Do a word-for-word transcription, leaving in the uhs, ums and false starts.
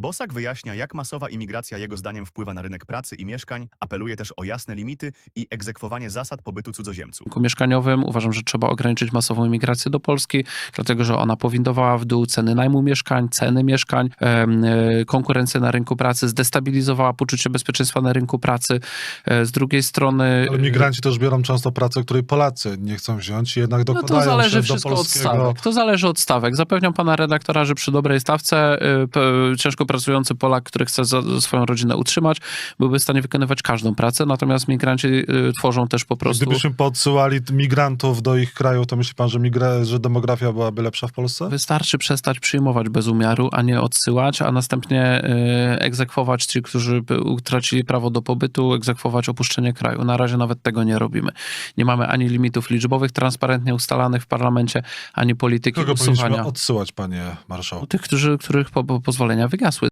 Bosak wyjaśnia, jak masowa imigracja jego zdaniem wpływa na rynek pracy i mieszkań, apeluje też o jasne limity i egzekwowanie zasad pobytu cudzoziemców. W rynku mieszkaniowym uważam, że trzeba ograniczyć masową imigrację do Polski, dlatego że ona powindowała w dół ceny najmu mieszkań, ceny mieszkań, e, konkurencję na rynku pracy, zdestabilizowała poczucie bezpieczeństwa na rynku pracy. E, z drugiej strony... Ale migranci też biorą często pracę, której Polacy nie chcą wziąć i jednak No dokładają to zależy się do wszystko polskiego... od stawek. To zależy od stawek. Zapewniam pana redaktora, że przy dobrej stawce y, p, ciężko pracujący Polak, który chce za, za swoją rodzinę utrzymać, byłby w stanie wykonywać każdą pracę, natomiast migranci y, tworzą też po prostu... Gdybyśmy podsyłali migrantów do ich kraju, to myśli pan, że, migra... że demografia byłaby lepsza w Polsce? Wystarczy przestać przyjmować bez umiaru, a nie odsyłać, a następnie y, egzekwować ci, którzy utracili prawo do pobytu, egzekwować opuszczenie kraju. Na razie nawet tego nie robimy. Nie mamy ani limitów liczbowych transparentnie ustalanych w parlamencie, ani polityki Kogo usuwania. powinniśmy odsyłać, panie marszałku? Tych, którzy, których po, po pozwolenia wygasły.